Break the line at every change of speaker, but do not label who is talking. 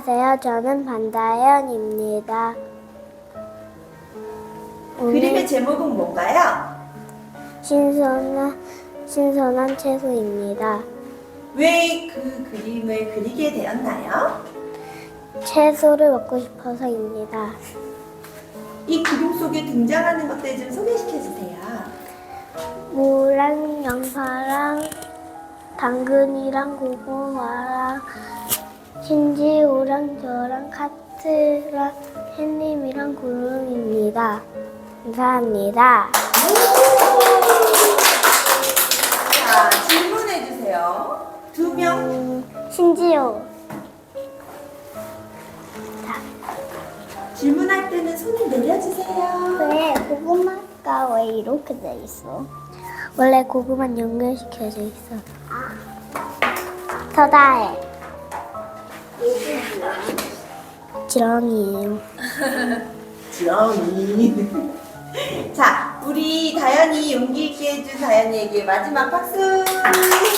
안녕하세요. 저는 반다현입니다.
그림의 제목은 뭔가요?
신선한 채소입니다.
왜 그 그림을 그리게 되었나요?
채소를 먹고 싶어서입니다.
이 그림 속에 등장하는 것들 좀 소개시켜 주세요.
무랑 양파랑 당근이랑 고구마랑 신지우랑 저랑 카트랑 햇님이랑 구름입니다. 감사합니다.
자, 질문해 주세요. 2명
신지우.
질문할 때는 손을 내려주세요.
왜 고구마가 왜 이렇게 돼 있어? 원래 고구마는 연결시켜져 있어. 서다해. 지렁이에요.
지렁이. 자, 우리 다현이 용기 있게 해준 다현이에게 마지막 박수.